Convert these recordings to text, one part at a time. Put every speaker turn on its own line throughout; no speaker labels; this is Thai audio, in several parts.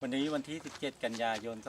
วันนี้วันที่ 17 กันยายน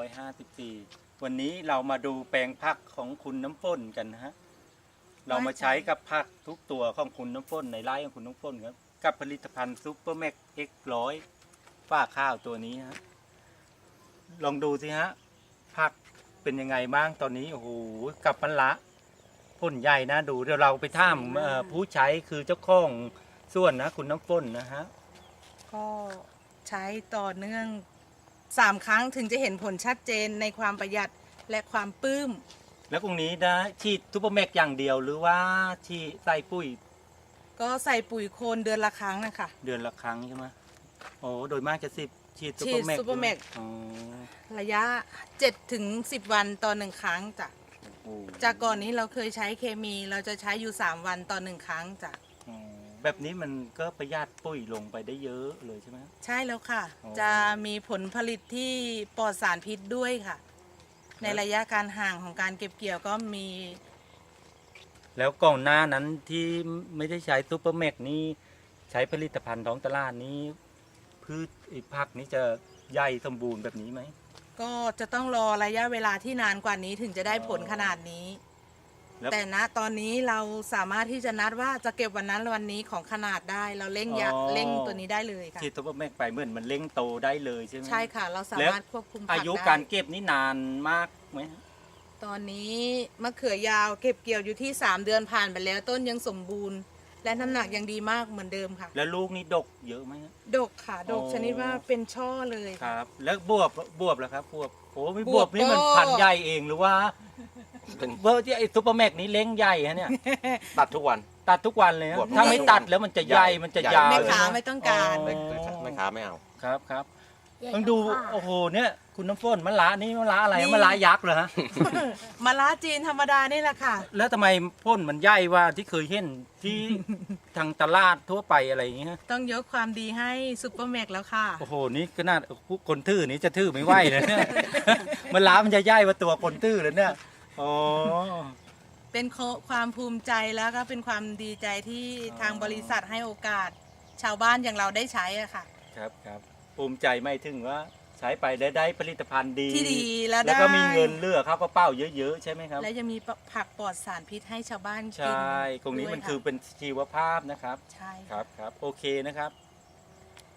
2554 วันนี้เรามาดูแปลงผักของคุณน้ำฝนกันนะฮะ เรามาใช้กับผักทุกตัวของคุณน้ำฝนในไร่ของคุณน้ำฝนครับกับผลิตภัณฑ์ซุปเปอร์แม็กเอ็กร้อยฝ้าข้าวตัวนี้ฮะ ลองดูสิฮะ ผักเป็นยังไงบ้างตอนนี้ โอ้โห กับมันละพ่นใหญ่นะดูเดี๋ยวเราไปถามผู้ใช้คือเจ้าของส่วนนะคุณน้ำฝนนะฮะ
ก็ใช้ต่อเนื่อง3 ครั้งถึงจะเห็นผลชัดเจนในความประหยัดและความปลื้ม
แล้วตรงนี้นะฉีดซุปเปอร์แม็กอย่างเดียวหรือว่าฉีดใส่ปุ๋ย
ก็ใส่ปุ๋ยโคลนเดือนละครั้งนะคะ
เดือนละครั้งใช่ไหมโอ้โดยมากจะฉีดซุป
ฉี
เปอ
ด
ร์แม็ก
ซุปเปอร์แม็ก
อ๋อ
ระยะ7 ถึง 10 วันต่อ1 ครั้งจ้ะ
โอ้
จากก่อนนี้เราเคยใช้เคมีเราจะใช้อยู่3 วันต่อ1 ครั้งจ้ะ
อ๋อแบบนี้มันก็ประหยัดปุ๋ยลงไปได้เยอะเลยใช่ไหม
ใช่แล้วค่ะ
อ๋อ
จะมีผลผลิตที่ปลอดสารพิษด้วยค่ะ ในระยะการห่างของการเก็บเกี่ยวก็มี
แล้วก่อนหน้านั้นที่ไม่ได้ใช้ซุปเปอร์แม็กนี่ใช้ผลิตภัณฑ์ท้องตลาดนี้พืชไอ้ผักนี้จะใหญ่สมบูรณ์แบบนี้ไหม
ก็จะต้องรอระยะเวลาที่นานกว่านี้ถึงจะได้ผลขนาดนี้
แล้ว
แต่ณตอนนี้เราสามารถที่จะนัดว่าจะเก็บวันนั้นวันนี้ของขนาดได้เราเร่งเร่งตัวนี้ได้เลยค่ะ
ฉีดซุปเปอร์แม็กไปเหมือนมันเร่งโตได้เลยใช่ไหม
ใช่ค่ะ เราสามารถควบคุมผั
อาก ยุ
ได้
การเก็บนี่นานมากไหม
ตอนนี้มะเขือยาวเก็บเกี่ยวอยู่ที่3 เดือนผ่านไปแล้วต้นยังสมบูรณ์ และน้ำหนักยังดีมากเหมือนเดิมค่ะ
แล้วลูกนี่ดกเยอะไหม
ดกค่ะดก
อ๋อ
ชนิดว่าเป็นช่อเลย
ค
ค่ะ
รับ แล้วบวบแล้วครับบวบโอ้ไม่
บบ ว
ว
บบ
นี่มัน
ก็
พันธุ์ใหญ่เองหรือว่า
เป็น
เบอร์ที่ไอ้ซุปเปอร์แม็กนี้เล้งใหญ่ฮะเนี่ย
ตัดทุกวัน
ตัดทุกวันเลยนะ
บวบ
ถ้าไม่ตัดแล้วมันจะใหญ่มันจะยาว
แม่
เลย
ค้า
นะ
ไม่ต้องการ
อ๋อ
ไม่ค้าไม่เอา
ครับครับต้องดูโอ้โหเนี่ยคุณน้ำฝนมะละนี่มะละอะไรมะละยักษ์เหรอฮะ
มะระจีนธรรมดานี่แหละค่ะ
แล้วทำไมพ่นมันใหญ่ว่าที่เคยเห็นที่ทางตลาดทั่วไปอะไรอย่างเงี้ย
ต้องยกความดีให้ซุปเปอร์แม็กแล้วค่ะ
โอ้โหนี่ขนาดคนทื่อนี้จะทื่อไม่ไหวเลยเนี่ย มะละมันจะใหญ่กว่าตัวคนทื่อเลยเนี่ยอ๋อ
เป็นความภูมิใจแล้วก็เป็นความดีใจที่ทางบริษัทให้โอกาส ชาวบ้านอย่างเราได้ใช้อะค่ะ
ครับครับภูมิใจไม่ถึงว่าใช้ไปได้ผลิตภัณฑ์ดี
ที่ดีแล้ว
แล้ว
ได้
ก็มีเงินเหลือเข้ากระเป๋าเยอะๆใช่ไหมครับ
และยังมีผักปลอดสารพิษให้ชาวบ้าน
ใช
กิน
่ ตรงนี้มัน
ด้วยะ
คือเป็นชีวภาพนะครับ
ใช่
ครับครับโอเคนะครับ